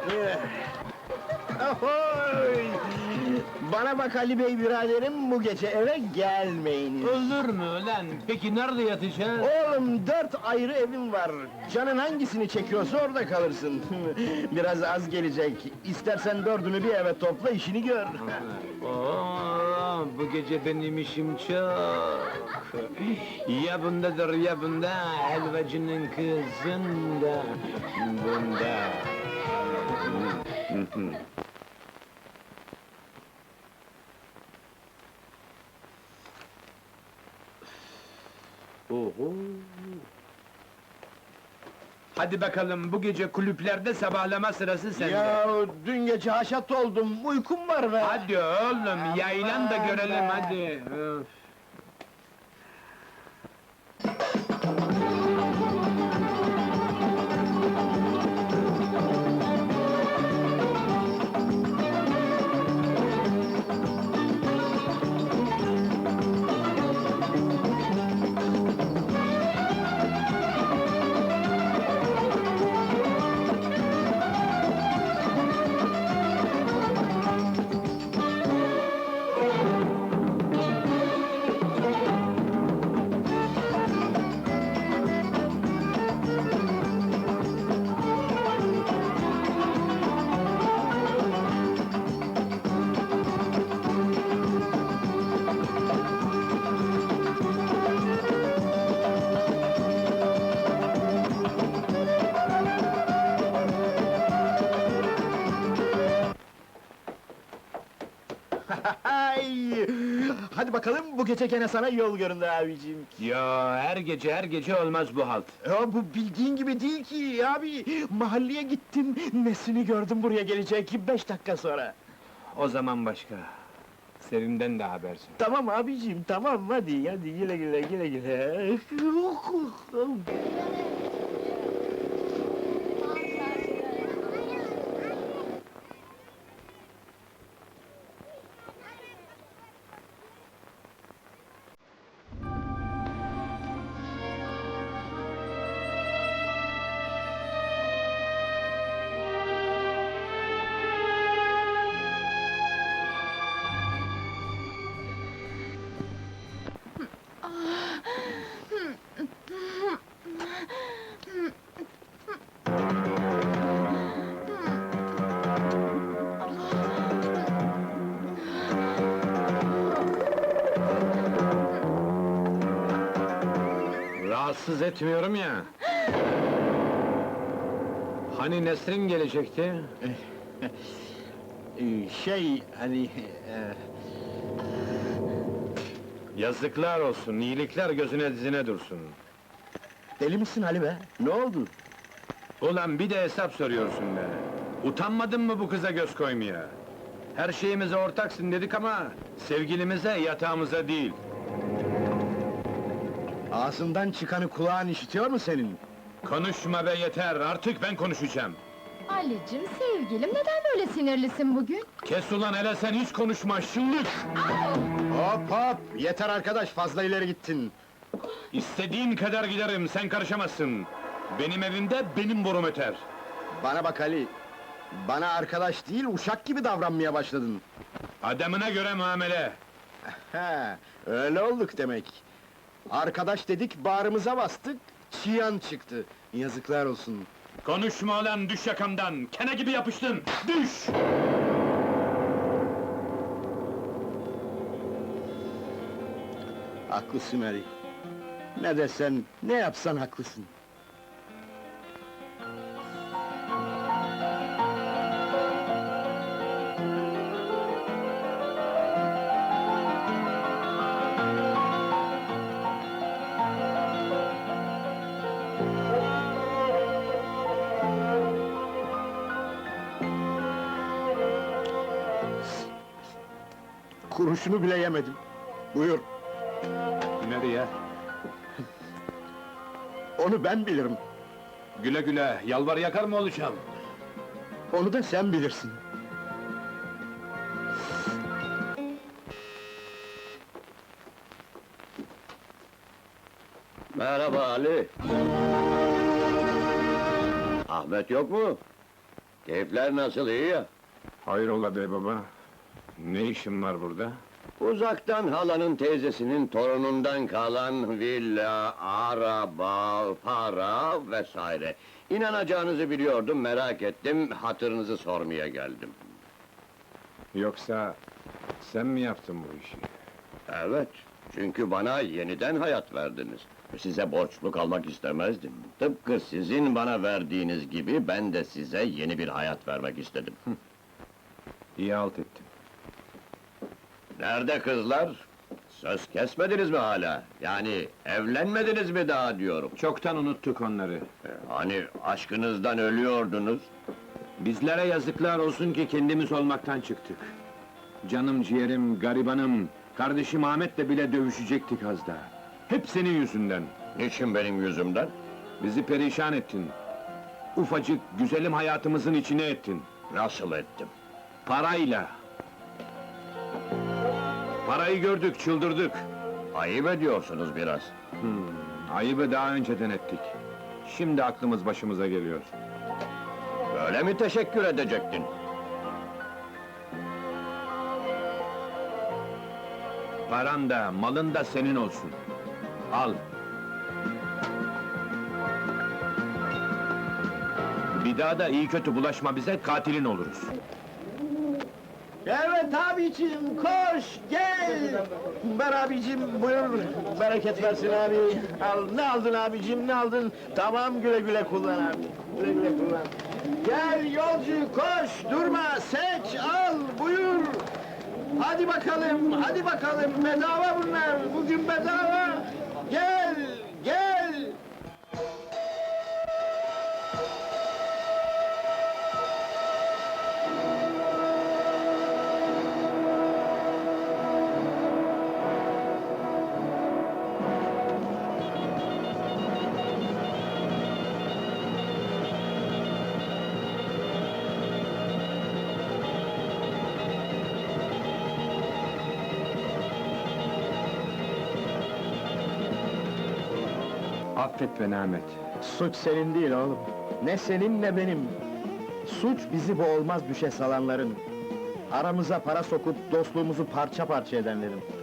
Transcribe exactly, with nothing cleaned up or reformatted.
Ahoy! Bana bak Ali Bey biraderim, bu gece eve gelmeyiniz. Olur mu ulan? Peki nerede yatacağız? Oğlum, dört ayrı evim var. Canın hangisini çekiyorsa orada kalırsın. Biraz az gelecek. İstersen dördünü bir eve topla, işini gör. Oo, bu gece benim işim çok. Ya bundadır ya bunda, helvacının kızında, bunda. Oho! Hadi bakalım, bu gece kulüplerde sabahlama sırası sende. Ya dün gece haşat oldum, uykum var be! Hadi oğlum, yaylan da Aman görelim be! hadi. Öf. Ay! Hadi bakalım, bu gece gene sana yol göründü abiciğim. Ya her gece her gece olmaz bu halt. Ya bu bildiğin gibi değil ki abi! Mahalleye gittim, Nesrin'i gördüm buraya gelecek, beş dakika sonra. O zaman başka. Serim'den de habersin. Tamam abiciğim, tamam, hadi, hadi, güle güle, güle güle. Rahatsız etmiyorum ya. Hani Nesrin gelecekti? Ee, Şey, hani... e, Yazıklar olsun, iyilikler gözüne dizine dursun. Deli misin Ali be? Ne oldu? Ulan bir de hesap soruyorsun be! Utanmadın mı bu kıza göz koymaya? Her şeyimize ortaksın dedik ama... sevgilimize, yatağımıza değil. Ağzından çıkanı kulağın işitiyor mu senin? Konuşma be yeter, artık ben konuşacağım! Ali'cim, sevgilim, neden böyle sinirlisin bugün? Kes ulan hele sen hiç konuşma, şıllık! Hop hop! Yeter arkadaş, fazla ileri gittin. İstediğin kadar giderim, sen karışamazsın! Benim evimde benim borum öter! Bana bak Ali! Bana arkadaş değil, uşak gibi davranmaya başladın. Adamına göre muamele! He, öyle olduk demek. Arkadaş dedik, bağrımıza bastık, çiyan çıktı. Yazıklar olsun. Konuşma ulan, düş yakamdan! Kene gibi yapıştın, düş! Haklısın Ali. Ne desen, ne yapsan haklısın. Kuruşunu bile yemedim. Buyur, Nereye? onu ben bilirim. Güle güle, yalvar yakar mı olacağım? Onu da sen bilirsin. Merhaba Ali. Ahmet yok mu? Keyifler nasıl, iyi ya? Hayrola be baba? Ne işin var burada? Uzaktan halanın teyzesinin torunundan kalan villa, araba, para vesaire. İnanacağınızı biliyordum, merak ettim, hatırınızı sormaya geldim. Yoksa sen mi yaptın bu işi? Evet, çünkü bana yeniden hayat verdiniz. Size borçlu kalmak istemezdim. Tıpkı sizin bana verdiğiniz gibi, ben de size yeni bir hayat vermek istedim. İyi halt ettin. Nerede kızlar? Söz kesmediniz mi hala? Yani evlenmediniz mi daha diyorum. Çoktan unuttuk onları. Hani aşkınızdan ölüyordunuz? Bizlere yazıklar olsun ki kendimiz olmaktan çıktık. Canım ciğerim, garibanım, kardeşim Ahmet'le bile dövüşecektik az daha. Hep senin yüzünden. Niçin benim yüzümden? Bizi perişan ettin. Ufacık, güzelim hayatımızın içine ettin. Nasıl ettim? Parayla. Parayı gördük, çıldırdık. Ayıp ediyorsunuz biraz. Hmm, ayıbı daha önceden ettik. Şimdi aklımız başımıza geliyor. Böyle mi teşekkür edecektin? Paran da, malın da senin olsun. Al. Bir daha da iyi kötü bulaşma bize, katilin oluruz. Evet abicim, koş, gel! Ver abicim, buyur, bereket versin abi. Al, ne aldın abicim, ne aldın? Tamam, güle güle kullan abi, güle güle kullan. Gel yolcu, koş, durma, seç, al, buyur! Hadi bakalım, hadi bakalım, bedava bunlar, bugün bedava! Gel, gel! Affet beni Ahmet. Suç senin değil oğlum. Ne senin ne benim. Suç bizi bu olmaz düşe salanların. Aramıza para sokup dostluğumuzu parça parça edenlerin.